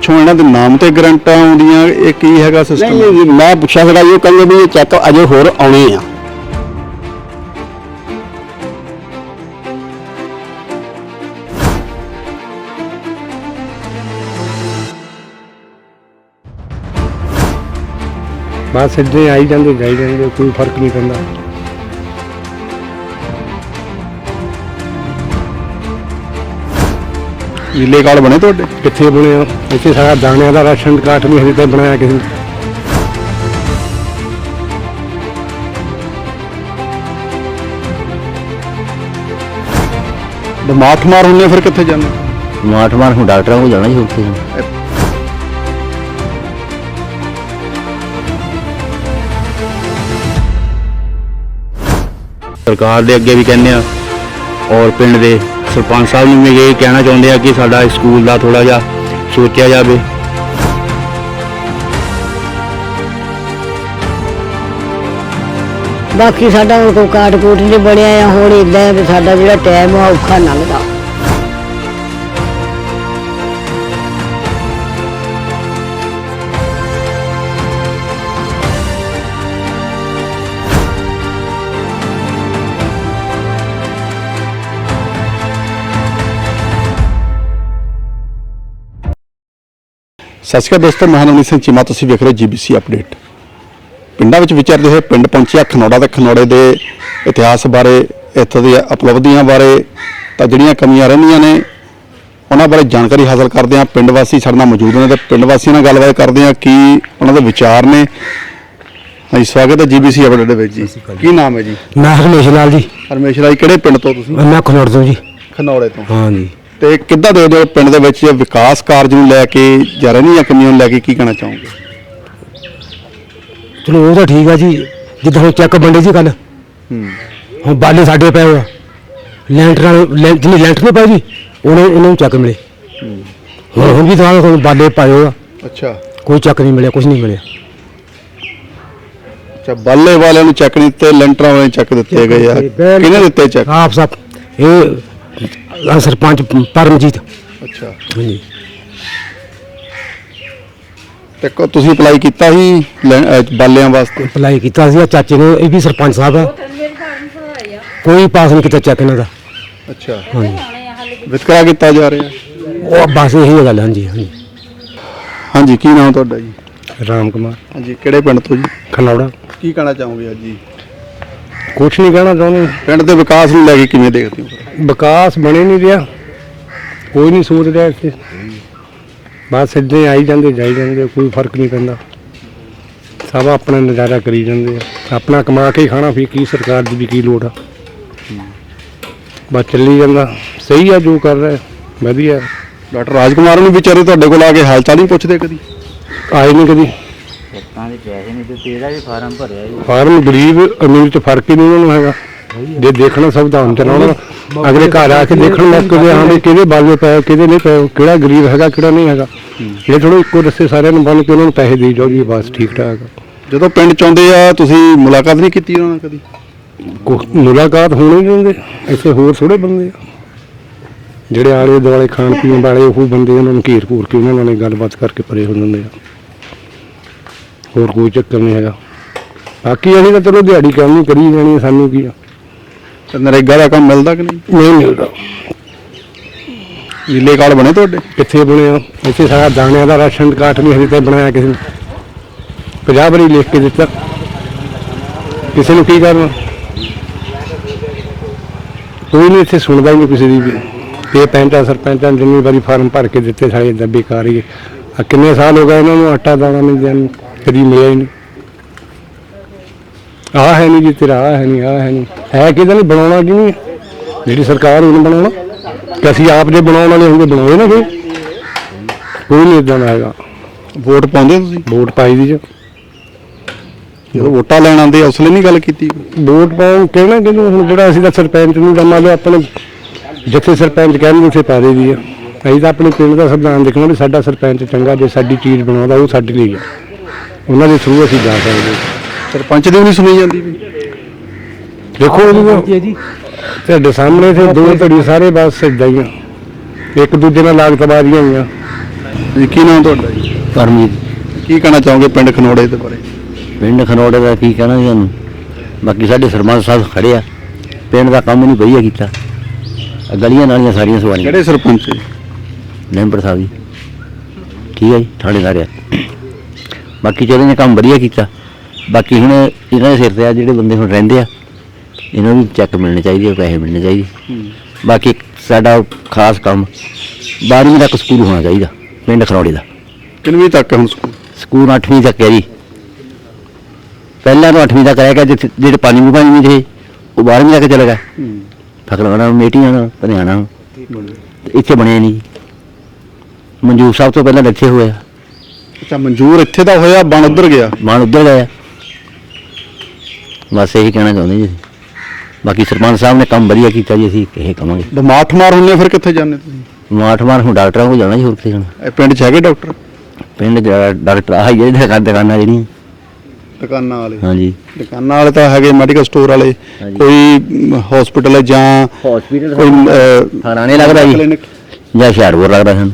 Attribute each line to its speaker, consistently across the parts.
Speaker 1: ਪਿੱਛੋਂ ਇਹਨਾਂ ਦੇ ਨਾਮ ਤੇ ਗਰੰਟਾਂ ਆਉਂਦੀਆਂ, ਇਹ ਕੀ ਹੈਗਾ ਸਿਸਟਮ?
Speaker 2: नहीं मैं पूछा सीगा ये कहंगे भी ये चैक अजे होर आने आ।
Speaker 3: बस इदां आई जाते जाई जाते, कोई फर्क नहीं पैंदा।
Speaker 1: नीले कार्ड बने ਤੁਹਾਡੇ?
Speaker 3: कित्थे बने हो इत्थे? सारा दाणियां दा राशन कार्ड नहीं हजे तक बनाया किसी ने।
Speaker 1: ਬਿਮਾਰ ਠਮਾਰ ਹੁੰਦੇ ਫਿਰ ਕਿੱਥੇ ਜਾਂਦੇ?
Speaker 2: मार हूँ डॉक्टर को जाना ही उत्थे।
Speaker 4: ਸਰਕਾਰ ਦੇ ਅੱਗੇ ਵੀ ਕਹਿੰਦੇ ਆ ਔਰ ਪਿੰਡ ਦੇ ਸਰਪੰਚ ਸਾਹਿਬ ਨੂੰ ਵੀ ਇਹ ਕਹਿਣਾ ਚਾਹੁੰਦੇ ਆ ਕਿ ਸਾਡਾ ਸਕੂਲ ਦਾ ਥੋੜਾ ਜਿਹਾ ਸੋਚਿਆ ਜਾਵੇ।
Speaker 5: ਬਾਕੀ ਸਾਡਾ ਹੁਣ ਕੋਈ ਕਾਟ ਕੂਟ ਨਹੀਂ ਬਣਿਆ ਆ। ਹੁਣ ਇਦਾਂ ਵੀ ਸਾਡਾ ਜਿਹੜਾ ਟਾਈਮ ਆ ਔਖਾ ਲੰਘਦਾ।
Speaker 1: ਸਤਿ ਸ਼੍ਰੀ ਅਕਾਲ ਦੋਸਤੋ, ਮੈਂ ਨਵਨੀਤ ਸਿੰਘ ਚੀਮਾ, ਤੁਸੀਂ ਵੇਖ ਰਹੇ ਜੀਬੀਸੀ ਅਪਡੇਟ। ਪਿੰਡਾਂ ਵਿੱਚ ਵਿਚਰਦੇ ਹੋਏ ਪਿੰਡ ਪਹੁੰਚਿਆ ਖਨੌੜਾ ਤੇ ਖਨੌੜੇ ਦੇ ਇਤਿਹਾਸ ਬਾਰੇ, ਇੱਥੋਂ ਦੀਆਂ ਉਪਲਬਧੀਆਂ ਬਾਰੇ, ਤਾਂ ਜਿਹੜੀਆਂ ਕਮੀਆਂ ਰਹਿੰਦੀਆਂ ਨੇ ਉਹਨਾਂ ਬਾਰੇ ਜਾਣਕਾਰੀ ਹਾਸਲ ਕਰਦੇ ਹਾਂ। ਪਿੰਡ ਵਾਸੀ ਸਾਡੇ ਨਾਲ ਮੌਜੂਦ ਨੇ ਤੇ ਪਿੰਡ ਵਾਸੀਆਂ ਨਾਲ ਗੱਲਬਾਤ ਕਰਦੇ ਹਾਂ ਕੀ ਉਹਨਾਂ ਦੇ ਵਿਚਾਰ ਨੇ। ਹਾਂਜੀ, ਸਵਾਗਤ ਹੈ ਜੀਬੀਸੀ ਅਪਡੇਟ ਦੇ ਵਿੱਚ ਜੀ। ਕੀ ਨਾਮ ਹੈ ਜੀ?
Speaker 3: मैं हरमेश लाल जी।
Speaker 1: ਹਰਮੇਸ਼ ਰਾਜ, ਕਿਹੜੇ ਪਿੰਡ ਤੋਂ ਤੁਸੀਂ?
Speaker 3: मैं खनौड़ तो जी।
Speaker 1: ਖਨੌੜੇ ਤੋਂ।
Speaker 3: हाँ जी।
Speaker 1: ਤੇ ਕਿੱਦਾਂ ਦੇਖਦੇ ਹੋ ਪਿੰਡ ਦੇ ਵਿੱਚ ਵਿਕਾਸ ਕਾਰਜ ਨੂੰ ਲੈ ਕੇ ਜਾਂ ਰਹਿੰਦੀਆਂ ਕਮੀਆਂ ਨੂੰ ਲੈ ਕੇ ਕੀ ਕਹਿਣਾ ਚਾਹੋਗੇ?
Speaker 3: चलो वो तो ठीक है जी, जिद्दां हुण चैक बंडे जी कल हुण बाले साडे पए होए लैंटर जिन्हें लैंटर नहीं पाए जी उन्हें चैक मिले। हुण भी तो बाले पाए हो,
Speaker 1: ਅੱਛਾ,
Speaker 3: कोई चैक नहीं मिले, कुछ नहीं मिले।
Speaker 1: ਅੱਛਾ, ਬਾਲੇ ਵਾਲਿਆਂ ਨੂੰ ਚੈੱਕ ਨਹੀਂ ਦਿੱਤੇ, ਲੈਂਟਰਾਂ ਵਾਲਿਆਂ ਨੂੰ ਚੈੱਕ ਦਿੱਤੇ ਗਏ ਆ। ਕਿਹਨੇ ਦਿੱਤੇ ਚੈੱਕ?
Speaker 3: आप साहब ये सरपंच परमजीत।
Speaker 1: ਅੱਛਾ,
Speaker 3: हाँ जी।
Speaker 1: ਤੇ ਤੁਸੀਂ ਅਪਲਾਈ ਕੀਤਾ ਸੀ ਬਾਲਿਆਂ ਵਾਸਤੇ?
Speaker 3: ਅਪਲਾਈ ਕੀਤਾ ਸੀ ਚਾਚੇ ਨੇ, ਇਹ ਵੀ ਸਰਪੰਚ ਸਾਹਿਬ ਆ, ਕੋਈ ਪਾਸ ਨਹੀਂ ਕੀਤਾ ਚੈੱਕ ਇਹਨਾਂ ਦਾ।
Speaker 1: ਅੱਛਾ,
Speaker 3: ਹਾਂਜੀ,
Speaker 1: ਵਿਤਕਰਾ ਕੀਤਾ ਜਾ ਰਿਹਾ।
Speaker 3: ਉਹ ਬਸ ਇਹੀ ਗੱਲ। ਹਾਂਜੀ ਹਾਂਜੀ।
Speaker 1: ਹਾਂਜੀ, ਕੀ ਨਾਮ ਤੁਹਾਡਾ ਜੀ?
Speaker 3: ਰਾਮ ਕੁਮਾਰ।
Speaker 1: ਹਾਂਜੀ, ਕਿਹੜੇ ਪਿੰਡ ਤੋਂ ਜੀ?
Speaker 3: ਖਨੌੜਾ।
Speaker 1: ਕੀ ਕਹਿਣਾ ਚਾਹੋਗੇ ਅੱਜ ਜੀ?
Speaker 3: ਕੁਛ ਨਹੀਂ ਕਹਿਣਾ ਚਾਹੁੰਦੇ।
Speaker 1: ਪਿੰਡ ਦੇ ਵਿਕਾਸ ਨੂੰ ਲੈ ਕੇ ਕਿਵੇਂ ਦੇਖਦੇ ਹੋ?
Speaker 3: ਵਿਕਾਸ ਬਣੇ ਨਹੀਂ ਰਿਹਾ, ਕੋਈ ਨਹੀਂ ਸੋਚ ਰਿਹਾ ਇੱਥੇ, ਬਸ ਇੱਦਾਂ ਆਈ ਜਾਂਦੇ ਜਾਈ ਜਾਂਦੇ, ਕੋਈ ਫਰਕ ਨਹੀਂ ਪੈਂਦਾ। ਸਭ ਆਪਣਾ ਨਜ਼ਾਰਾ ਕਰੀ ਜਾਂਦੇ ਆ, ਆਪਣਾ ਕਮਾ ਕੇ ਹੀ ਖਾਣਾ, ਫਿਰ ਕੀ ਸਰਕਾਰ ਦੀ ਵੀ ਕੀ ਲੋੜ ਆ। ਬਸ ਚੱਲੀ ਜਾਂਦਾ, ਸਹੀ ਆ ਜੋ ਕਰ ਰਿਹਾ, ਵਧੀਆ।
Speaker 1: ਡਾਕਟਰ ਰਾਜਕੁਮਾਰ ਨੂੰ ਵਿਚਾਰੇ ਤੁਹਾਡੇ ਕੋਲ ਆ ਕੇ ਹਾਲ ਚਾਲ ਨਹੀਂ ਪੁੱਛਦੇ ਕਦੀ?
Speaker 3: ਆਏ ਨਹੀਂ ਕਦੀ। ਫਾਰਮ ਗਰੀਬ ਅਮੀਰ ਚ ਫਰਕ ਹੀ ਨਹੀਂ ਉਹਨਾਂ ਨੂੰ ਹੈਗਾ। ਜੇ ਦੇਖਣਾ ਸਭ ਦਾ ਹੁਣ ਚਲਾਉਣਾ, ਅਗਲੇ ਘਰ ਆ ਕੇ ਦੇਖਣ ਮੌਕੇ ਦੇ ਹਾਂ ਵੀ ਕਿਹਦੇ ਬਾਲੇ ਪਏ ਕਿਹਦੇ ਨਹੀਂ ਪਏ, ਕਿਹੜਾ ਗਰੀਬ ਹੈਗਾ ਕਿਹੜਾ ਨਹੀਂ ਹੈਗਾ। ਇਹ ਥੋੜ੍ਹਾ ਇੱਕੋ ਰਸਤੇ ਸਾਰਿਆਂ ਨੂੰ ਬੰਨ ਕੇ ਉਹਨਾਂ ਨੂੰ ਪੈਸੇ ਦੇਈ ਜਾਓ ਜੀ, ਬਸ ਠੀਕ ਠਾਕ।
Speaker 1: ਜਦੋਂ ਪਿੰਡ ਚ ਆਉਂਦੇ ਆ ਤੁਸੀਂ ਮੁਲਾਕਾਤ ਨਹੀਂ ਕੀਤੀ ਉਹਨਾਂ ਨਾਲ ਕਦੀ?
Speaker 3: ਮੁਲਾਕਾਤ ਹੋਣੀ ਨਹੀਂ ਦਿੰਦੇ ਇੱਥੇ, ਹੋਰ ਥੋੜ੍ਹੇ ਬੰਦੇ ਆ ਜਿਹੜੇ ਆਲੇ ਦੁਆਲੇ ਖਾਣ ਪੀਣ ਵਾਲੇ, ਉਹ ਬੰਦੇ ਉਹਨਾਂ ਨੂੰ ਘੇਰ ਘੂਰ ਕੇ ਉਹਨਾਂ ਨਾਲ ਗੱਲਬਾਤ ਕਰਕੇ ਪਰੇ ਹੋ ਜਾਂਦੇ ਆ, ਹੋਰ ਕੋਈ ਚੱਕਰ ਨਹੀਂ ਹੈਗਾ। ਬਾਕੀ ਅਸੀਂ ਤਾਂ ਚਲੋ ਦਿਹਾੜੀ ਕੰਮ ਨਹੀਂ ਕਰੀ ਜਾਣੀ, ਸਾਨੂੰ ਕੀ ਆ।
Speaker 1: ਤੇ ਨਰੇਗਾ ਦਾ ਕੰਮ ਮਿਲਦਾ ਕਿ ਨਹੀਂ?
Speaker 3: ਨਹੀਂ ਮਿਲਦਾ।
Speaker 1: ਨੀਲੇ ਕਾਰਡ ਬਣੇ ਤੁਹਾਡੇ?
Speaker 3: ਕਿੱਥੇ ਬਣੇ ਹੋ ਇੱਥੇ? ਸਾਰਾ ਦਾਣਿਆਂ ਦਾ ਰਾਸ਼ਨ ਕਾਰਡ ਨਹੀਂ ਹਜੇ ਤੱਕ ਬਣਾਇਆ ਕਿਸੇ ਨੇ। 50 ਵਾਰੀ ਲਿਖ ਕੇ ਦਿੱਤਾ, ਕਿਸੇ ਨੂੰ ਕੀ ਕਰਨਾ। ਕੋਈ ਨਹੀਂ ਇੱਥੇ ਸੁਣਦਾ ਹੀ ਨਹੀਂ ਕਿਸੇ ਦੀ ਵੀ। ਇਹ ਪੈਂਟਾਂ ਸਰਪੰਚਾਂ ਜਿੰਨੀ ਵਾਰੀ ਫਾਰਮ ਭਰ ਕੇ ਦਿੱਤੇ ਸਾਰੇ ਇੱਦਾਂ ਬੇਕਾਰ ਹੀ ਆ। ਕਿੰਨੇ ਸਾਲ ਹੋ ਗਏ ਇਹਨਾਂ ਨੂੰ ਆਟਾ ਦਾਣਾ ਨਹੀਂ ਦੇਣ, ਕਦੀ ਮਿਲਿਆ ਹੀ ਨਹੀਂ। ਆਹ ਹੈ ਨਹੀਂ ਜੀ ਤੇਰਾ, ਆਹ ਹੈ ਨਹੀਂ, ਆਹ ਹੈ ਨਹੀਂ, ਹੈ ਕਿਹਦਾ ਨਹੀਂ ਬਣਾਉਣਾ ਕਿ ਨਹੀਂ? ਜਿਹੜੀ ਸਰਕਾਰ ਉਹਨੂੰ ਬਣਾਉਣਾ ਕਿ ਅਸੀਂ ਆਪ ਜੇ ਬਣਾਉਣ ਵਾਲੇ ਹੁੰਦੇ ਬਣਾਉਏ ਨਾ ਕੋਈ ਨਹੀਂ ਇੱਦਾਂ ਦਾ ਹੈਗਾ।
Speaker 1: ਵੋਟ ਪਾਉਂਦੇ ਤੁਸੀਂ?
Speaker 3: ਵੋਟ ਪਾਈ ਦੀ
Speaker 1: ਜਦੋਂ ਵੋਟਾਂ ਲੈਣ ਆਉਂਦੇ ਉਸ ਲਈ ਨਹੀਂ ਗੱਲ ਕੀਤੀ?
Speaker 3: ਵੋਟ ਪਾਉਣ ਕਹਿਣਾ ਕਿਹਨੂੰ? ਹੁਣ ਜਿਹੜਾ ਅਸੀਂ ਤਾਂ ਸਰਪੰਚ ਨੂੰ ਤਾਂ ਮੰਨ ਲਓ ਆਪਣੇ ਜਿੱਥੇ ਸਰਪੰਚ ਕਹਿੰਦੇ ਉੱਥੇ ਪਾ ਦੇ ਦੀ ਆ। ਅਸੀਂ ਤਾਂ ਆਪਣੇ ਪਿੰਡ ਦਾ ਸੰਵਿਧਾਨ ਦੇਖਣਾ ਵੀ ਸਾਡਾ ਸਰਪੰਚ ਚੰਗਾ, ਜੇ ਸਾਡੀ ਚੀਜ਼ ਬਣਾਉਂਦਾ ਉਹ ਸਾਡੇ ਲਈ ਆ, ਉਹਨਾਂ ਦੇ ਥਰੂ ਅਸੀਂ ਜਾ ਸਕਦੇ।
Speaker 1: ਸਰਪੰਚ ਦੀ ਵੀ ਨਹੀਂ ਸੁਣੀ ਜਾਂਦੀ ਵੀ?
Speaker 3: ਦੇਖੋ ਜੀ ਤੁਹਾਡੇ ਸਾਹਮਣੇ ਤੇ ਦੋ ਧੜੀ ਸਾਰੇ ਬਸ ਇੱਦਾਂ ਹੀ ਆ, ਇੱਕ ਦੂਜੇ ਨਾਲ ਲਾਗਤਬਾਜ਼ੀਆਂ ਹੋਈਆਂ।
Speaker 1: ਜੀ ਕੀ ਨਾਮ ਤੁਹਾਡਾ ਜੀ?
Speaker 2: ਪਰਮਜੀਤ
Speaker 1: ਕੀ ਕਹਿਣਾ ਚਾਹੋਗੇ ਪਿੰਡ ਖਨੌੜੇ ਦੇ ਬਾਰੇ?
Speaker 2: ਪਿੰਡ ਖਨੌੜੇ ਦਾ ਕੀ ਕਹਿਣਾ ਜੀ ਸਾਨੂੰ, ਬਾਕੀ ਸਾਡੇ ਸਰਪੰਚ ਸਾਹਿਬ ਖੜੇ ਆ, ਪਿੰਡ ਦਾ ਕੰਮ ਨਹੀਂ ਵਧੀਆ ਕੀਤਾ, ਆਹ ਗਲੀਆਂ ਨਾਲੀਆਂ ਸਾਰੀਆਂ ਸਵਾਰੀਆਂ
Speaker 1: ਕਿਹੜੇ ਸਰਪੰਚ ਜੀ?
Speaker 2: ਮੈਂਬਰ ਸਾਹਿਬ ਜੀ ਠੀਕ ਹੈ ਜੀ, ਥਾਣੇਦਾਰ ਆ। ਬਾਕੀ ਚਲੋ ਨੇ ਕੰਮ ਵਧੀਆ ਕੀਤਾ, ਬਾਕੀ ਹੁਣ ਇਹਨਾਂ ਦੇ ਸਿਰ ਤੇ ਆ ਜਿਹੜੇ ਬੰਦੇ ਹੁਣ ਰਹਿੰਦੇ ਆ, ਇਹਨਾਂ ਨੂੰ ਚੈੱਕ ਮਿਲਣੇ ਚਾਹੀਦੇ, ਪੈਸੇ ਮਿਲਣੇ ਚਾਹੀਦੇ। ਬਾਕੀ ਸਾਡਾ ਖਾਸ ਕੰਮ 12ਵੀਂ ਤੱਕ ਸਕੂਲ ਹੋਣਾ ਚਾਹੀਦਾ ਪਿੰਡ ਖਨੌੜੇ ਦਾ।
Speaker 1: ਕਿੰਨਵੀਂ ਤੱਕ ਹੈ ਹੁਣ ਸਕੂਲ?
Speaker 2: ਸਕੂਲ 8ਵੀਂ ਤੱਕ ਹੈ ਜੀ, ਪਹਿਲਾਂ ਤਾਂ 8ਵੀਂ ਤੱਕ ਰਹਿ ਗਿਆ, ਜਿਹੜੇ 5ਵੀਂ ਦੇ ਉਹ 12ਵੀਂ ਤੱਕ ਚਲੇ ਗਏ। ਫਕਲਵਾਣਾ ਮੇਟੀਆਂ ਨਾਲ ਧਨਿਆਣਾ ਇੱਥੇ ਬਣਿਆ ਨਹੀਂ ਜੀ। ਮਨਜੂਰ ਸਾਹਿਬ ਤੋਂ ਪਹਿਲਾਂ ਇੱਥੇ ਹੋਇਆ,
Speaker 1: ਅੱਛਾ ਮਨਜ਼ੂਰ ਇੱਥੇ ਦਾ ਹੋਇਆ, ਬਣ ਉੱਧਰ ਗਿਆ।
Speaker 2: ਮਾਨ ਉੱਧਰ ਗਿਆ। ਬਸ ਇਹੀ ਕਹਿਣਾ ਚਾਹੁੰਦੇ ਜੀ। ਬਾਕੀ ਸਰਪੰਚ ਸਾਹਿਬ ਨੇ ਕੰਮ ਵਧੀਆ ਕੀਤਾ ਜੀ, ਅਸੀਂ ਇਹ ਕਹਾਂਗੇ।
Speaker 1: ਬਿਮਾਰ ਠਮਾਰ ਹੁੰਦੇ ਫਿਰ ਕਿੱਥੇ ਜਾਂਦੇ ਤੁਸੀਂ?
Speaker 2: ਮਾਠ ਹੁਣ ਡਾਕਟਰਾਂ ਕੋਲ ਜਾਣਾ ਜੀ, ਹੋਰ ਕਿੱਥੇ ਜਾਣਾ।
Speaker 1: ਇਹ ਪਿੰਡ 'ਚ ਹੈਗੇ ਡਾਕਟਰ?
Speaker 2: ਪਿੰਡ ਡਾਕਟਰ ਆਹ ਜਿਹੜੇ ਦੁਕਾਨਾਂ ਜਿਹੜੀਆਂ,
Speaker 1: ਦੁਕਾਨਾਂ ਵਾਲੇ?
Speaker 2: ਹਾਂਜੀ
Speaker 1: ਦੁਕਾਨਾਂ ਵਾਲੇ ਤਾਂ ਹੈਗੇ, ਮੈਡੀਕਲ ਸਟੋਰ ਵਾਲੇ,
Speaker 2: ਹਾਂਜੀ।
Speaker 1: ਕੋਈ ਹਸਪੀਟਲ ਹੈ ਜਾਂ
Speaker 2: ਹਸਪੀਟਲ
Speaker 1: ਕੋਈ
Speaker 2: ਥਾਣੇ ਲੱਗਦਾ ਜੀ
Speaker 1: clinic?
Speaker 2: ਜਾਂ ਹੁਸ਼ਿਆਰਪੁਰ ਲੱਗਦਾ ਸਾਨੂੰ।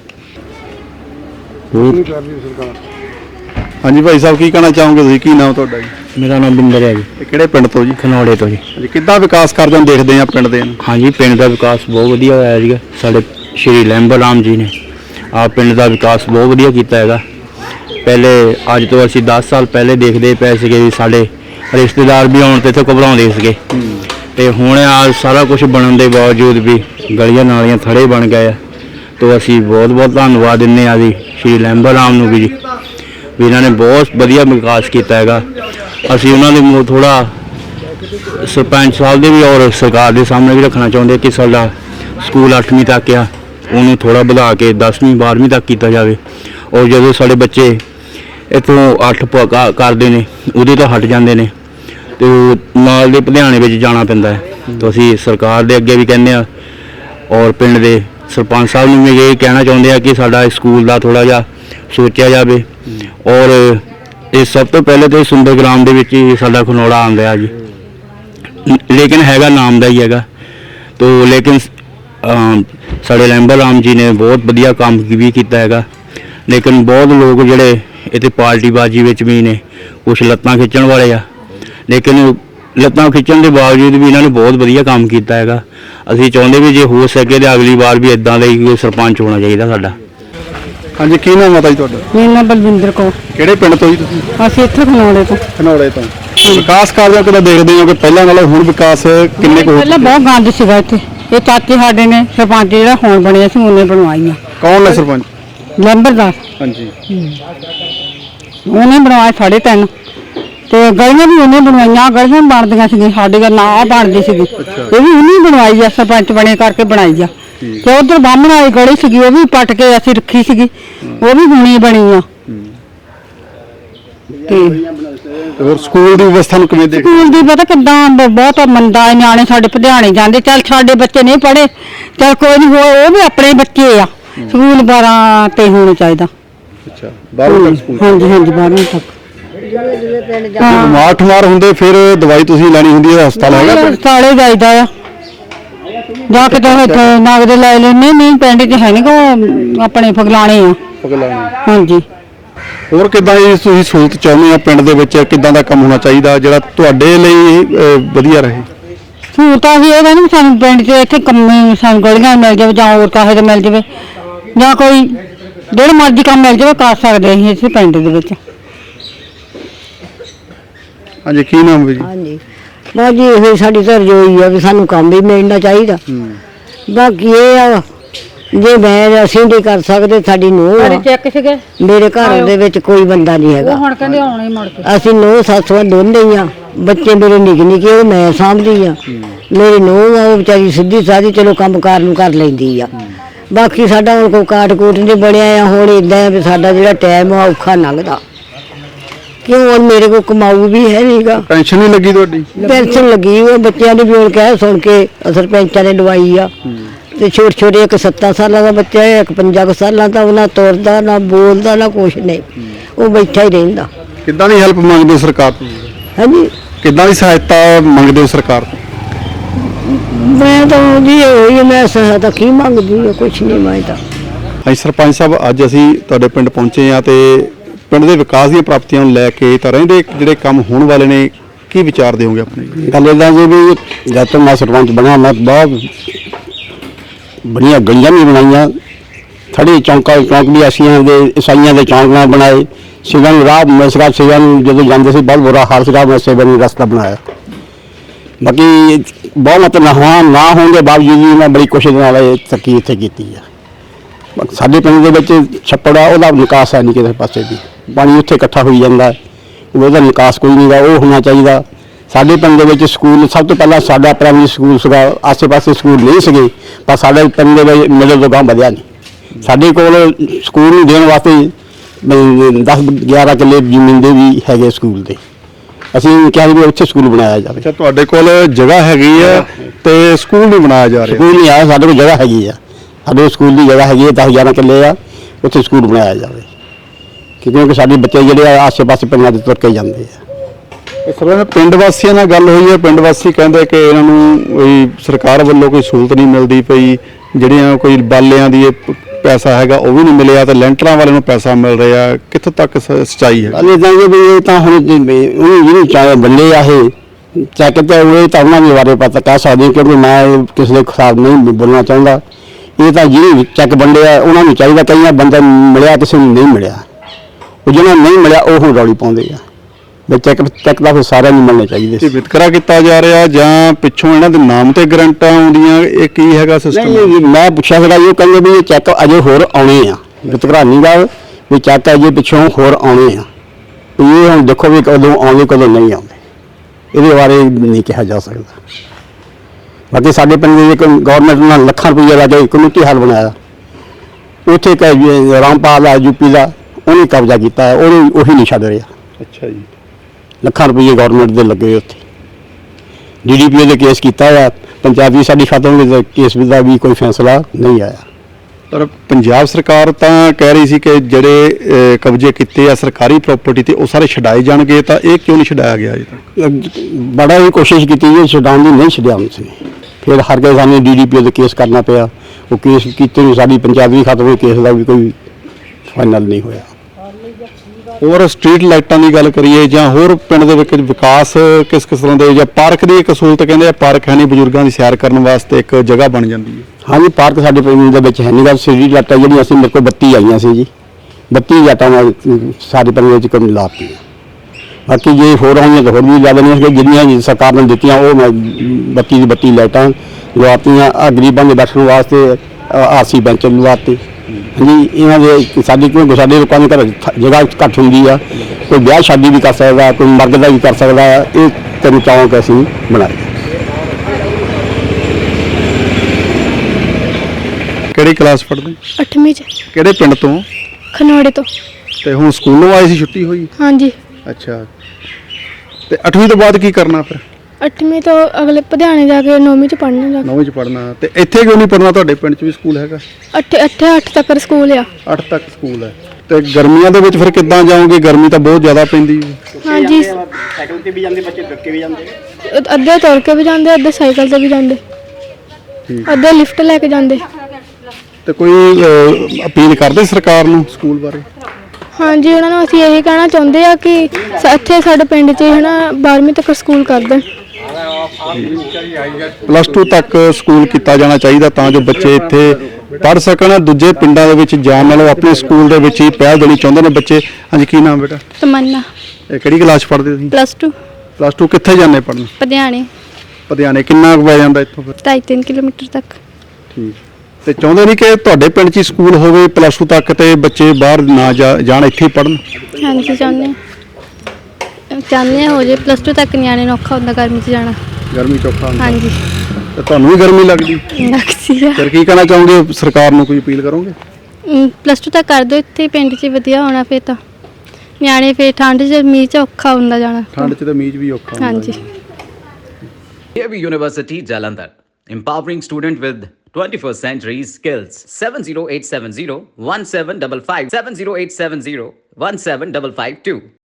Speaker 1: ਹਾਂਜੀ ਭਾਈ ਸਾਹਿਬ ਕੀ ਕਹਿਣਾ ਚਾਹੋਗੇ ਤੁਸੀਂ? ਕੀ ਨਾਮ ਤੁਹਾਡਾ ਜੀ?
Speaker 4: ਮੇਰਾ ਨਾਮ ਬਿੰਦਰ ਹੈ ਜੀ,
Speaker 1: ਤੇ ਕਿਹੜੇ ਪਿੰਡ ਤੋਂ ਜੀ?
Speaker 4: ਖਨੌੜੇ ਤੋਂ ਜੀ।
Speaker 1: ਜੀ ਕਿੱਦਾਂ ਵਿਕਾਸ ਕਰਦੇ ਹੋ ਦੇਖਦੇ ਆ ਪਿੰਡ ਦੇ ਨੂੰ?
Speaker 4: ਹਾਂਜੀ, ਪਿੰਡ ਦਾ ਵਿਕਾਸ ਬਹੁਤ ਵਧੀਆ ਹੋਇਆ ਜੀ। ਸਾਡੇ ਸ਼੍ਰੀ ਲੈਂਬਰ ਰਾਮ ਜੀ ਨੇ ਆਹ ਪਿੰਡ ਦਾ ਵਿਕਾਸ ਬਹੁਤ ਵਧੀਆ ਕੀਤਾ ਹੈਗਾ। ਪਹਿਲੇ ਅੱਜ ਤੋਂ ਅਸੀਂ 10 ਸਾਲ ਪਹਿਲੇ ਦੇਖਦੇ ਪਏ ਸੀਗੇ ਵੀ ਸਾਡੇ ਰਿਸ਼ਤੇਦਾਰ ਵੀ ਆਉਣ ਤੇ ਇੱਥੇ ਘਬਰਾਉਂਦੇ ਸੀਗੇ, ਤੇ ਹੁਣ ਆ ਸਾਰਾ ਕੁਝ ਬਣਨ ਦੇ ਬਾਵਜੂਦ ਵੀ ਗਲੀਆਂ ਨਾਲੀਆਂ ਥੜੇ ਬਣ ਗਏ ਆ। ਤੋਂ ਅਸੀਂ ਬਹੁਤ ਬਹੁਤ ਧੰਨਵਾਦ ਦਿੰਦੇ ਆ ਜੀ ਸ਼੍ਰੀ ਲੈਂਬਰ ਰਾਮ ਨੂੰ ਵੀ ਇਹਨਾਂ ਨੇ ਬਹੁਤ ਵਧੀਆ ਵਿਕਾਸ ਕੀਤਾ ਹੈਗਾ। ਅਸੀਂ ਉਹਨਾਂ ਦੇ ਥੋੜਾ ਸਰਪੰਚ ਸਾਹਿਬ ਦੇ ਵੀ ਔਰ ਸਰਕਾਰ ਦੇ ਸਾਹਮਣੇ ਵੀ ਰੱਖਣਾ ਚਾਹੁੰਦੇ ਕਿ ਸਾਡਾ ਸਕੂਲ 8ਵੀਂ ਤੱਕ ਆ, ਉਹਨੂੰ ਥੋੜਾ ਵਧਾ ਕੇ 10ਵੀਂ 12ਵੀਂ ਤੱਕ ਕੀਤਾ ਜਾਵੇ। ਔਰ ਜਦੋਂ ਸਾਡੇ ਬੱਚੇ ਇੱਥੋਂ 8 ਕਰਦੇ ਨੇ ਉਹਦੇ ਤੋਂ ਹਟ ਜਾਂਦੇ ਨੇ ਤੇ ਉਹ ਨਾਲ ਦੇ ਲੁਧਿਆਣੇ ਵਿੱਚ ਜਾਣਾ ਪੈਂਦਾ ਹੈ। ਤਾਂ ਅਸੀਂ ਸਰਕਾਰ ਦੇ ਅੱਗੇ ਵੀ ਕਹਿੰਦੇ ਆ ਔਰ ਪਿੰਡ ਦੇ ਸਰਪੰਚ ਸਾਹਿਬ ਨੂੰ ਵੀ ਇਹ ਕਹਿਣਾ ਚਾਹੁੰਦੇ ਆ ਕਿ ਸਾਡਾ ਸਕੂਲ ਦਾ ਥੋੜਾ ਜਿਹਾ ਸੋਚਿਆ ਜਾਵੇ। ਔਰ ਇਹ ਸਭ ਤੋਂ ਪਹਿਲੇ ਤਾਂ ਸੁੰਦਰ ਗ੍ਰਾਮ ਦੇ ਵਿੱਚ ਹੀ ਸਾਡਾ ਖਨੌੜਾ ਆਉਂਦਾ ਆ ਜੀ, ਲੇਕਿਨ ਹੈਗਾ ਨਾਮ ਦਾ ਹੀ ਹੈਗਾ। ਤੋ ਲੇਕਿਨ ਸਾਡੇ ਲੈਂਬਰ ਰਾਮ ਜੀ ਨੇ ਬਹੁਤ ਵਧੀਆ ਕੰਮ ਵੀ ਕੀਤਾ ਹੈਗਾ। ਲੇਕਿਨ ਬਹੁਤ ਲੋਕ ਜਿਹੜੇ ਇੱਥੇ ਪਾਰਟੀਬਾਜ਼ੀ ਵਿੱਚ ਵੀ ਨੇ, ਕੁਛ ਲੱਤਾਂ ਖਿੱਚਣ ਵਾਲੇ ਆ, ਲੇਕਿਨ ਲੱਤਾਂ ਖਿੱਚਣ ਦੇ ਬਾਵਜੂਦ ਵੀ ਇਹਨਾਂ ਨੇ ਬਹੁਤ ਵਧੀਆ ਕੰਮ ਕੀਤਾ ਹੈਗਾ। ਅਸੀਂ ਚਾਹੁੰਦੇ ਵੀ ਜੇ ਹੋ ਸਕੇ ਤੇ ਅਗਲੀ ਵਾਰ ਵੀ ਇਦਾਂ ਦਾ ਹੀ ਕੋਈ ਸਰਪੰਚ ਹੋਣਾ ਚਾਹੀਦਾ ਸਾਡਾ।
Speaker 1: ਹਾਂਜੀ ਕੀ ਨਾਮ ਹੈ ਜੀ ਤੁਹਾਡਾ?
Speaker 5: ਮੇਰਾ ਨਾਮ ਬਲਵਿੰਦਰ ਕੌਰ।
Speaker 1: ਕਿਹੜੇ ਪਿੰਡ ਤੋਂ ਜੀ ਤੁਸੀਂ?
Speaker 5: ਅਸੀਂ ਇੱਥੇ ਖਨੌੜੇ ਤੋਂ।
Speaker 1: ਖਨੌੜੇ ਤੋਂ। ਵਿਕਾਸ ਕਾਰਜਾਂ ਕਿੱਦਾਂ ਦੇਖਦੇ ਹੋ ਕਿ ਪਹਿਲਾਂ ਨਾਲੋਂ ਹੁਣ ਵਿਕਾਸ ਕਿੰਨੇ ਕੁ ਹੋ
Speaker 5: ਪਹਿਲਾਂ ਬਹੁਤ ਗੰਦ ਸੀਗਾ ਇੱਥੇ। ਇਹ ਚਾਚੇ ਸਾਡੇ ਨੇ ਸਰਪੰਚ ਜਿਹੜਾ ਹੁਣ ਬਣਿਆ ਸੀ ਉਹਨੇ ਬਣਵਾਈਆਂ।
Speaker 1: ਕੌਣ ਨੇ ਸਰਪੰਚ?
Speaker 5: ਲੈਂਬਰਦਾਰ
Speaker 1: ਹਾਂਜੀ
Speaker 5: ਉਹਨੇ ਬਣਵਾਏ 3.5 ਤੇ ਗਲੀਆਂ ਵੀ ਉਹਨੇ ਬਣਵਾਈਆਂ। ਗਲੀਆਂ ਬਣਦੀਆਂ ਸੀਗੀਆਂ ਸਾਡੇ ਘਰ ਨਾ ਬਣਦੀ ਸੀਗੀ, ਇਹ ਵੀ ਉਹਨੇ ਬਣਵਾਈ ਆ, ਸਰਪੰਚ ਬਣੇ ਕਰਕੇ ਬਣਾਈ ਆ। ਤੇ ਉਧਰ ਬਾਹਮਣ ਵਾਲੀ ਗਲੀ ਸੀਗੀ ਉਹ ਵੀ ਪੱਟ ਕੇ ਅਸੀਂ ਰੱਖੀ ਸੀਗੀ, ਉਹ ਵੀ ਹੁਣੀ ਬਣੀ ਆ। ਤੇ
Speaker 1: ਹੋਰ ਸਕੂਲ ਦੀ ਵਿਵਸਥਾ ਨੂੰ ਕਿਵੇਂ ਦੇਖਦੇ?
Speaker 5: ਸਕੂਲ ਦੀ ਪਤਾ ਕਿੱਦਾਂ ਬਹੁਤ ਮੰਦਾ ਹੈ, ਨਿਆਣੇ ਸਾਡੇ ਲੁਧਿਆਣੇ ਜਾਂਦੇ। ਚੱਲ ਸਾਡੇ ਬੱਚੇ ਨਹੀਂ ਪੜ੍ਹੇ, ਚੱਲ ਕੋਈ ਨਹੀਂ, ਉਹ ਵੀ ਆਪਣੇ ਬੱਚੇ ਆ। ਸਕੂਲ 12 ਤੇ ਹੋਣਾ ਚਾਹੀਦਾ।
Speaker 1: ਅੱਛਾ 12ਵੀਂ ਤੱਕ ਸਕੂਲ?
Speaker 5: ਹਾਂਜੀ ਹਾਂਜੀ 12ਵੀਂ ਤੱਕ।
Speaker 1: ਬਿਮਾਰ ਠਮਾਰ ਹੁੰਦੇ ਫਿਰ ਦਵਾਈ ਤੁਸੀਂ ਲੈਣੀ ਹੁੰਦੀ ਹੈ, ਹਸਪਤਾਲ ਹੈਗਾ ਪਿੰਡ?
Speaker 5: ਹਸਪਤਾਲੇ ਜਾਈਦਾ ਆ, ਜਾ ਕੇ ਤਾਂ ਉੱਥੇ ਨਗਦ ਲੈ ਲੈਣੇ। ਨਹੀਂ ਪਿੰਡ 'ਚ ਹੈ ਨਹੀਂ ਕੋ, ਆਪਣੇ ਫਗਲਾਣੇ ਆ। ਹਾਂਜੀ।
Speaker 1: ਹੋਰ ਕਿੱਦਾਂ ਦੀ ਤੁਸੀਂ ਸਹੂਲਤ ਚਾਹੁੰਦੇ ਆ ਪਿੰਡ ਦੇ ਵਿੱਚ? ਕਿੱਦਾਂ ਦਾ ਕੰਮ ਹੋਣਾ ਚਾਹੀਦਾ ਜਿਹੜਾ ਤੁਹਾਡੇ ਲਈ ਵਧੀਆ ਰਹੇ?
Speaker 5: ਸਹੂਲਤਾਂ ਵੀ ਇਹ ਕਹਿੰਦੇ ਸਾਨੂੰ ਪਿੰਡ 'ਚ ਇੱਥੇ ਕੰਮੇ ਸਾਨੂੰ ਗਲੀਆਂ ਮਿਲ ਜਾਵੇ ਜਾਂ ਹੋਰ ਕਾਹੇ ਦੇ ਮਿਲ ਜਾਵੇ, ਜਾਂ ਕੋਈ ਜਿਹੜਾ ਮਰਜ਼ੀ ਕੰਮ ਮਿਲ ਜਾਵੇ ਕਰ ਸਕਦੇ ਅਸੀਂ ਇੱਥੇ ਪਿੰਡ ਦੇ ਵਿੱਚ।
Speaker 1: ਹਾਂਜੀ ਕੀ ਨਾਮ ਹੈ ਜੀ?
Speaker 5: ਹਾਂਜੀ ਬਸ ਜੀ ਇਹ ਸਾਡੀ ਤਾਂ ਰਜੋਈ ਆ ਵੀ ਸਾਨੂੰ ਕੰਮ ਵੀ ਮਿਲਣਾ ਚਾਹੀਦਾ। ਬਾਕੀ ਇਹ ਆ ਜੇ ਮੈਂ ਅਸੀਂ ਨਹੀਂ ਕਰ ਸਕਦੇ, ਸਾਡੀ ਨੂੰਹ ਚੈੱਕ ਸੀਗੇ ਮੇਰੇ ਘਰ ਦੇ ਵਿੱਚ ਕੋਈ ਬੰਦਾ ਨਹੀਂ ਹੈਗਾ। ਹੁਣ ਕਹਿੰਦੇ ਆਉਣੇ ਮੁੜ ਕੇ ਅਸੀਂ ਨੂੰਹ ਸੱਸ ਦੋਨੇ ਹੀ ਆ। ਬੱਚੇ ਮੇਰੇ ਨਿੱਕੇ ਨਿੱਕੇ ਉਹ ਮੈਂ ਸਾਂਭਦੀ ਆ। ਮੇਰੀ ਨੂੰਹ ਆ ਉਹ ਵਿਚਾਰੀ ਸਿੱਧੀ ਸਾਦੀ ਚਲੋ ਕੰਮ ਕਾਰ ਨੂੰ ਕਰ ਲੈਂਦੀ ਆ। ਬਾਕੀ ਸਾਡਾ ਹੁਣ ਕੋਈ ਕਾਟ ਕੂਟ ਨਹੀਂ ਬਣਿਆ ਆ। ਹੁਣ ਇਦਾਂ ਵੀ ਸਾਡਾ ਜਿਹੜਾ ਟਾਈਮ ਆ ਔਖਾ ਲੰਘਦਾ, ਕਿਉਂ ਹੁਣ ਮੇਰੇ ਕੋਲ ਕਮਾਊ ਵੀ ਹੈ ਨਹੀਂਗਾ।
Speaker 1: ਪੈਨਸ਼ਨ ਨਹੀਂ ਲੱਗੀ ਤੁਹਾਡੀ?
Speaker 5: ਪੈਨਸ਼ਨ ਲੱਗੀ ਉਹ ਬੱਚਿਆਂ ਦੀ ਵੀ ਹੁਣ ਕਹਿ ਸੁਣ ਕੇ ਸਰਪੰਚਾਂ ਨੇ ਦਵਾਈ ਆ। ਤੇ ਛੋਟੇ ਛੋਟੇ ਇੱਕ 7 ਸਾਲਾਂ ਦਾ ਬੱਚਾ ਹੈ, ਇੱਕ 5 ਸਾਲਾਂ ਦਾ। ਉਹਨਾਂ ਤੁਰਦਾ ਨਾ ਬੋਲਦਾ ਨਾ ਕੁਛ ਨਹੀਂ, ਉਹ ਬੈਠਾ ਹੀ ਰਹਿੰਦਾ।
Speaker 1: ਕਿੱਦਾਂ ਦੀ ਹੈਲਪ ਮੰਗਦੇ ਹੋ ਸਰਕਾਰ ਤੋਂ?
Speaker 5: ਹਾਂਜੀ
Speaker 1: ਕਿੱਦਾਂ ਦੀ ਸਹਾਇਤਾ ਮੰਗਦੇ ਹੋ ਸਰਕਾਰ ਤੋਂ?
Speaker 5: ਮੈਂ ਤਾਂ ਜੀ ਹੋਈ ਮੈਂ ਸਹਾਇਤਾ ਕੀ ਮੰਗਦੀ ਹਾਂ, ਕੁਛ ਨਹੀਂ। ਮੈਂ ਤਾਂ
Speaker 1: ਹਾਂਜੀ ਸਰਪੰਚ ਸਾਹਿਬ, ਅੱਜ ਅਸੀਂ ਤੁਹਾਡੇ ਪਿੰਡ ਪਹੁੰਚੇ ਹਾਂ ਤੇ ਪਿੰਡ ਦੇ ਵਿਕਾਸ ਦੀਆਂ ਪ੍ਰਾਪਤੀਆਂ ਨੂੰ ਲੈ ਕੇ ਤਾਂ ਰਹਿੰਦੇ ਜਿਹੜੇ ਕੰਮ ਹੋਣ ਵਾਲੇ ਨੇ ਕੀ ਵਿਚਾਰ ਦਿਓਗੇ ਆਪਣੇ?
Speaker 6: ਗੱਲ ਇੱਦਾਂ ਜੀ ਵੀ ਜਦ ਤੋਂ ਮੈਂ ਸਰਪੰਚ ਬਣਿਆ ਮੈਂ ਬਹੁਤ ਬੜੀਆਂ ਗਲੀਆਂ ਵੀ ਬਣਾਈਆਂ, ਥੜੀ ਚੌਂਕ ਵੀ ਅਸੀਂ ਦੇ ਈਸਾਈਆਂ ਦੇ ਚੌਂਕ ਨਾਲ ਬਣਾਏ, ਸਿਵਿਆਂ ਨੂੰ ਰਾਹ ਮਸਰਾ ਸਿਵਿਆਂ ਨੂੰ ਜਦੋਂ ਜਾਂਦੇ ਸੀ ਬਹੁਤ ਬੁਰਾ ਹਾਲ ਸੀਗਾ, ਮੈਂ ਸਿਵਿਆਂ ਨੂੰ ਰਸਤਾ ਬਣਾਇਆ। ਬਾਕੀ ਬਹੁਤ ਨਾ ਹੋਣ ਦੇ ਬਾਵਜੂਦ ਵੀ ਮੈਂ ਬੜੀ ਕੋਸ਼ਿਸ਼ ਨਾਲ ਇਹ ਤਰੱਕੀ ਇੱਥੇ ਕੀਤੀ ਆ। ਸਾਡੇ ਪਿੰਡ ਦੇ ਵਿੱਚ ਛੱਪੜ ਆ, ਉਹਦਾ ਨਿਕਾਸ ਹੈ ਨਹੀਂ ਕਿਸੇ ਪਾਸੇ ਵੀ, ਪਾਣੀ ਉੱਥੇ ਇਕੱਠਾ ਹੋਈ ਜਾਂਦਾ, ਉਹਦਾ ਨਿਕਾਸ ਕੋਈ ਨਹੀਂ ਗਾ, ਉਹ ਹੋਣਾ ਚਾਹੀਦਾ। ਸਾਡੇ ਪਿੰਡ ਦੇ ਵਿੱਚ ਸਕੂਲ ਸਭ ਤੋਂ ਪਹਿਲਾਂ ਸਾਡਾ ਪ੍ਰਾਇਮਰੀ ਸਕੂਲ ਸੀਗਾ, ਆਸੇ-ਪਾਸੇ ਸਕੂਲ ਨਹੀਂ ਸੀਗੇ, ਪਰ ਸਾਡੇ ਪਿੰਡ ਦੇ ਵਿੱਚ ਮਿਡਲ ਤੋਂ ਗਾਂਹ ਵਧਿਆ ਨਹੀਂ। ਸਾਡੇ ਕੋਲ ਸਕੂਲ ਨੂੰ ਦੇਣ ਵਾਸਤੇ 10-11 ਕਿੱਲੇ ਜ਼ਮੀਨ ਦੇ ਵੀ ਹੈਗੇ ਸਕੂਲ ਦੇ, ਅਸੀਂ ਕਿਹਾ ਵੀ ਉੱਥੇ ਸਕੂਲ ਬਣਾਇਆ ਜਾਵੇ।
Speaker 1: ਅੱਛਾ, ਤੁਹਾਡੇ ਕੋਲ ਜਗ੍ਹਾ ਹੈਗੀ ਆ ਤੇ ਸਕੂਲ ਨਹੀਂ ਬਣਾਇਆ ਜਾ ਰਿਹਾ?
Speaker 6: ਸਕੂਲ ਨਹੀਂ ਆਇਆ, ਸਾਡੇ ਕੋਲ ਜਗ੍ਹਾ ਹੈਗੀ ਆ, ਸਾਡੇ ਸਕੂਲ ਦੀ ਜਗ੍ਹਾ ਹੈਗੀ ਹੈ 10-11 ਕਿੱਲੇ ਆ, ਉੱਥੇ ਸਕੂਲ ਬਣਾਇਆ ਜਾਵੇ ਕਿਉਂਕਿ ਸਾਡੇ ਬੱਚੇ ਜਿਹੜੇ ਆ ਆਸੇ-ਪਾਸੇ ਪਿੰਡਾਂ ਦੇ ਤੁਰ ਕੇ ਜਾਂਦੇ ਆ।
Speaker 1: ਇਸ ਤਰ੍ਹਾਂ ਪਿੰਡ ਵਾਸੀਆਂ ਨਾਲ ਗੱਲ ਹੋਈ ਹੈ, ਪਿੰਡ ਵਾਸੀ ਕਹਿੰਦੇ ਕਿ ਇਹਨਾਂ ਨੂੰ ਕੋਈ ਸਰਕਾਰ ਵੱਲੋਂ ਕੋਈ ਸਹੂਲਤ ਨਹੀਂ ਮਿਲਦੀ ਪਈ, ਜਿਹੜੀਆਂ ਕੋਈ ਬਾਲਿਆਂ ਦੀ ਪੈਸਾ ਹੈਗਾ ਉਹ ਵੀ ਨਹੀਂ ਮਿਲਿਆ ਤੇ ਲੈਂਟਰਾਂ ਵਾਲੇ ਨੂੰ ਪੈਸਾ ਮਿਲ ਰਿਹਾ, ਕਿੱਥੋਂ ਤੱਕ ਸੱਚਾਈ ਹੈ?
Speaker 6: ਇਦਾਂ ਵੀ ਇਹ ਤਾਂ ਹੁਣ ਜਿਹਨੂੰ ਚਾਹੇ ਬੰਦੇ ਆ ਇਹ ਚੈੱਕ ਤੇ ਉਹ ਤਾਂ ਉਹਨਾਂ ਦੇ ਬਾਰੇ ਪਤਾ ਕਹਿ ਸਕਦੇ, ਕਿਉਂਕਿ ਮੈਂ ਕਿਸੇ ਦੇ ਖਿਲਾਫ ਨਹੀਂ ਬੋਲਣਾ ਚਾਹੁੰਦਾ। ਇਹ ਤਾਂ ਜਿਹਨੂੰ ਚੈੱਕ ਵੰਡੇ ਆ ਉਹਨਾਂ ਨੂੰ ਚਾਹੀਦਾ, ਕਈਆਂ ਬੰਦਾ ਮਿਲਿਆ ਕਿਸੇ ਨੂੰ ਨਹੀਂ ਮਿਲਿਆ, ਉਹ ਜਿਹਨਾਂ ਨਹੀਂ ਮਿਲਿਆ ਉਹ ਹੁਣ ਰੌਲੀ ਪਾਉਂਦੇ ਆ ਵੀ ਚੈੱਕ ਦਾ ਫਿਰ ਸਾਰਿਆਂ ਨੂੰ ਮਿਲਣੇ ਚਾਹੀਦੇ ਸੀ।
Speaker 1: ਵਿਤਕਰਾ ਕੀਤਾ ਜਾ ਰਿਹਾ ਜਾਂ ਪਿੱਛੋਂ ਇਹਨਾਂ ਦੇ ਨਾਮ ਤੇ ਗਰੰਟਾਂ ਆਉਂਦੀਆਂ, ਇਹ ਕੀ ਹੈਗਾ ਸਿਸਟਮ?
Speaker 6: ਨਹੀਂ, ਮੈਂ ਪੁੱਛਿਆ ਸੀਗਾ ਉਹ ਕਹਿੰਦੇ ਵੀ ਇਹ ਚੈੱਕ ਅਜੇ ਹੋਰ ਆਉਣੇ ਆ, ਵਿਤਕਰਾ ਨਹੀਂ ਗਾ ਵੀ ਚੈੱਕ ਅਜੇ ਪਿੱਛੋਂ ਹੋਰ ਆਉਣੇ ਆ, ਇਹ ਹੁਣ ਦੇਖੋ ਵੀ ਕਦੋਂ ਆਉਂਦੇ ਕਦੋਂ ਨਹੀਂ ਆਉਂਦੇ, ਇਹਦੇ ਬਾਰੇ ਨਹੀਂ ਕਿਹਾ ਜਾ ਸਕਦਾ। ਬਾਕੀ ਸਾਡੇ ਪਿੰਡ ਦੇ ਇੱਕ ਗਵਰਨਮੈਂਟ ਨੇ ਲੱਖਾਂ ਰੁਪਏ ਲਾ ਕੇ ਕਮੇਟੀ ਹਾਲ ਬਣਾਇਆ, ਉੱਥੇ ਇੱਕ ਰਾਮਪਾਲ ਆ ਯੂਪੀ ਦਾ, ਉਹਨੇ ਕਬਜ਼ਾ ਕੀਤਾ, ਉਹੀ ਨਹੀਂ ਛੱਡ ਰਿਹਾ।
Speaker 1: ਅੱਛਾ ਜੀ,
Speaker 6: ਲੱਖਾਂ ਰੁਪਏ ਗਵਰਨਮੈਂਟ ਦੇ ਲੱਗੇ ਉੱਥੇ। DDPO ਦੇ ਕੇਸ ਕੀਤਾ ਆ, ਪੰਚਾਇਤ ਵੀ ਸਾਡੀ ਖਤਮ ਹੋਈ, ਕੇਸ ਦਾ ਵੀ ਕੋਈ ਫੈਸਲਾ ਨਹੀਂ ਆਇਆ।
Speaker 1: ਪਰ ਪੰਜਾਬ ਸਰਕਾਰ ਤਾਂ ਕਹਿ ਰਹੀ ਸੀ ਕਿ ਜਿਹੜੇ ਕਬਜ਼ੇ ਕੀਤੇ ਆ ਸਰਕਾਰੀ ਪ੍ਰਾਪਰਟੀ ਤੇ ਉਹ ਸਾਰੇ ਛਡਾਏ ਜਾਣਗੇ, ਤਾਂ ਇਹ ਕਿਉਂ ਨਹੀਂ ਛਡਾਇਆ ਗਿਆ ਅਜੇ ਤੱਕ?
Speaker 6: ਬੜਾ ਹੀ ਕੋਸ਼ਿਸ਼ ਕੀਤੀ ਜੀ ਛਡਾਉਣ ਦੀ, ਨਹੀਂ ਛਡਿਆ ਉਸਨੇ, ਫਿਰ ਹਰ ਕੇ ਸਾਨੂੰ DDPO ਦੇ ਕੇਸ ਕਰਨਾ ਪਿਆ, ਉਹ ਕੇਸ ਕੀਤੇ ਨੂੰ ਸਾਡੀ ਪੰਚਾਇਤ ਵੀ ਖਤਮ ਹੋਈ, ਕੇਸ ਦਾ ਵੀ ਕੋਈ ਫਾਈਨਲ ਨਹੀਂ ਹੋਇਆ।
Speaker 1: ਹੋਰ ਸਟਰੀਟ ਲਾਈਟਾਂ ਦੀ ਗੱਲ ਕਰੀਏ ਜਾਂ ਹੋਰ ਪਿੰਡ ਦੇ ਵਿੱਚ ਵਿਕਾਸ ਕਿਸ ਤਰ੍ਹਾਂ ਦੇ, ਜਾਂ ਪਾਰਕ ਦੀ ਇੱਕ ਸਹੂਲਤ ਕਹਿੰਦੇ ਆ, ਪਾਰਕ ਹੈ ਨਹੀਂ, ਬਜ਼ੁਰਗਾਂ ਦੀ ਸੈਰ ਕਰਨ ਵਾਸਤੇ ਇੱਕ ਜਗ੍ਹਾ ਬਣ ਜਾਂਦੀ ਹੈ।
Speaker 6: ਹਾਂਜੀ, ਪਾਰਕ ਸਾਡੇ ਪਿੰਡ ਦੇ ਵਿੱਚ ਹੈ ਨਹੀਂ ਗਾ, ਸਟਰੀਟ ਲਾਈਟਾਂ ਜਿਹੜੀਆਂ ਅਸੀਂ ਮੇਰੇ ਕੋਲ 32 ਆਈਆਂ ਸੀ ਜੀ, 32 ਲਾਈਟਾਂ ਨਾਲ ਸਾਡੇ ਪਿੰਡ ਵਿੱਚ ਕੰਮ ਲਾਤੀ। ਬਾਕੀ ਜੇ ਹੋਰ ਆਉਣੀਆਂ ਤਾਂ ਹੋਰ ਵੀ ਜ਼ਿਆਦਾ ਨਹੀਂ, ਜਿਹੜੀਆਂ ਸਰਕਾਰ ਨੇ ਦਿੱਤੀਆਂ ਉਹ ਮੈਂ 32 ਲਾਈਟਾਂ ਲਵਾਤੀਆਂ, ਗਰੀਬਾਂ ਦੇ ਬੈਠਣ ਵਾਸਤੇ RC ਬੈਂਚ ਲਵਾਤੇ। ਹਾਂਜੀ, ਇਹਨਾਂ ਦੇ ਸਾਡੇ ਲੋਕਾਂ ਦੇ ਘਰ ਜਗ੍ਹਾ ਘੱਟ ਹੁੰਦੀ ਆ, ਕੋਈ ਵਿਆਹ ਸ਼ਾਦੀ ਵੀ ਕਰ ਸਕਦਾ, ਕੋਈ ਮਰਗ ਦਾ ਵੀ ਕਰ ਸਕਦਾ, ਇਹ ਤਿੰਨ ਚੌਂਕ ਅਸੀਂ ਬਣਾਏ।
Speaker 1: ਕਿਹੜੀ ਕਲਾਸ ਪੜ੍ਹਦੇ?
Speaker 7: 8ਵੀਂ ਚ।
Speaker 1: ਕਿਹੜੇ ਪਿੰਡ ਤੋਂ?
Speaker 7: ਖਨੌੜੇ ਤੋਂ।
Speaker 1: ਤੇ ਹੁਣ ਸਕੂਲੋਂ ਆਏ ਸੀ, ਛੁੱਟੀ ਹੋਈ?
Speaker 7: ਹਾਂਜੀ।
Speaker 1: ਅੱਛਾ, ਤੇ 8ਵੀਂ ਤੋਂ ਬਾਅਦ ਕੀ ਕਰਨਾ ਫਿਰ?
Speaker 7: 8ਵੀਂ ਤੋਂ ਅਗਲੇ ਲੁਧਿਆਣੇ ਜਾ ਕੇ 9ਵੀਂ ਚ ਪੜ੍ਹਨਾ ਜਾ ਕੇ।
Speaker 1: 9ਵੀਂ ਚ ਪੜ੍ਹਨਾ, ਤੇ ਇੱਥੇ ਕਿਉਂ ਨਹੀਂ ਪੜ੍ਹਨਾ? ਤੁਹਾਡੇ ਪਿੰਡ ਚ ਵੀ ਸਕੂਲ ਹੈਗਾ?
Speaker 7: 8 ਤੱਕ ਸਕੂਲ ਆ।
Speaker 1: 8 ਤੱਕ ਸਕੂਲ ਹੈ, ਤੇ ਗਰਮੀਆਂ ਦੇ ਵਿੱਚ ਫਿਰ ਕਿੱਦਾਂ ਜਾਓਗੇ? ਗਰਮੀ ਤਾਂ ਬਹੁਤ ਜ਼ਿਆਦਾ ਪੈਂਦੀ ਹੈ।
Speaker 7: ਹਾਂਜੀ,
Speaker 6: ਸਾਈਕਲ ਤੇ ਵੀ ਜਾਂਦੇ ਬੱਚੇ, ਤੁਰ ਵੀ ਜਾਂਦੇ,
Speaker 7: ਅੱਧੇ ਤੁਰ ਕੇ ਵੀ ਜਾਂਦੇ, ਅੱਧੇ ਸਾਈਕਲ ਤੇ ਵੀ ਜਾਂਦੇ, ਅੱਧੇ ਲਿਫਟ ਲੈ ਕੇ ਜਾਂਦੇ।
Speaker 1: ਤੇ ਕੋਈ ਅਪੀਲ ਕਰਦੇ ਸਰਕਾਰ ਨੂੰ ਸਕੂਲ ਬਾਰੇ?
Speaker 7: ਹਾਂਜੀ, ਉਹਨਾਂ ਨੂੰ ਅਸੀਂ ਇਹੀ ਕਹਿਣਾ ਚਾਹੁੰਦੇ ਆ ਕਿ ਇੱਥੇ ਸਾਡੇ ਪਿੰਡ 'ਚ ਹੈ ਨਾ 12ਵੀਂ ਤੱਕ ਸਕੂਲ ਕਰ ਦੇਣ।
Speaker 1: +2 ਤੱਕ ਸਕੂਲ ਕੀਤਾ ਜਾਣਾ ਚਾਹੀਦਾ ਤਾਂ ਜੋ ਬੱਚੇ ਇੱਥੇ ਪੜ੍ਹ ਸਕਣ, ਦੂਜੇ ਪਿੰਡਾਂ ਦੇ ਵਿੱਚ ਜਾਣ ਨਾਲੋਂ ਆਪਣੇ ਸਕੂਲ ਦੇ ਵਿੱਚ ਹੀ ਪਹਿਲ ਦੇਣੀ ਚਾਹੁੰਦੇ ਨੇ ਬੱਚੇ। ਹਾਂਜੀ, ਕੀ ਨਾਮ ਬੇਟਾ?
Speaker 7: ਤਮੰਨਾ।
Speaker 1: ਇਹ ਕਿਹੜੀ ਕਲਾਸ ਪੜ੍ਹਦੇ ਤੁਸੀਂ?
Speaker 7: +2।
Speaker 1: +2 ਕਿੱਥੇ ਜਾਂਦੇ ਪੜ੍ਹਨ?
Speaker 7: ਲੁਧਿਆਣੇ।
Speaker 1: ਕਿੰਨਾ ਕੁ ਪੈ ਜਾਂਦਾ ਇੱਥੋਂ ਫਿਰ?
Speaker 7: 2.5-3 ਕਿਲੋਮੀਟਰ ਤੱਕ।
Speaker 1: ਠੀਕ, ਤੇ ਚਾਹੁੰਦੇ ਨਹੀਂ ਕਿ ਤੁਹਾਡੇ ਪਿੰਡ 'ਚ ਹੀ ਸਕੂਲ ਹੋਵੇ +2 ਤੱਕ ਤੇ ਬੱਚੇ ਬਾਹਰ ਨਾ ਜਾਣ, ਇੱਥੇ ਹੀ ਪੜ੍ਹਨ?
Speaker 7: ਹਾਂਜੀ, ਚਾਹੁੰਦੇ ਹੋ ਜੇ +2 ਤੱਕ ਨਿਆਣੇ ਨੂੰ ਔਖਾ ਹੁੰਦਾ ਗਰਮੀ 'ਚ ਜਾਣਾ।
Speaker 1: ਗਰਮੀ ਚੌਖਾ ਹੁੰਦਾ?
Speaker 7: ਹਾਂਜੀ।
Speaker 1: ਤੇ ਤੁਹਾਨੂੰ ਵੀ ਗਰਮੀ ਲੱਗਦੀ?
Speaker 7: ਲੱਗਦੀ ਆ।
Speaker 1: ਫਿਰ ਕੀ ਕਹਿਣਾ ਚਾਹੋਗੇ ਸਰਕਾਰ ਨੂੰ, ਕੋਈ ਅਪੀਲ ਕਰੋਗੇ?
Speaker 7: +2 ਤੱਕ ਕਰ ਦਿਓ, ਇੱਥੇ ਪਿੰਡ 'ਚ ਵਧੀਆ ਹੋਣਾ, ਫਿਰ ਤਾਂ ਨਿਆਣੇ ਫਿਰ ਠੰਡ 'ਚ ਮੀਂਹ 'ਚ ਔਖਾ ਹੁੰਦਾ ਜਾਣਾ।
Speaker 1: ਠੰਡ 'ਚ ਤਾਂ ਮੀਂਹ 'ਚ ਵੀ ਔਖਾ ਹੁੰਦਾ।
Speaker 7: ਹਾਂਜੀ।
Speaker 8: AV University Jalandhar, empowering student with 21st century skills. 70870 1755 70870 17552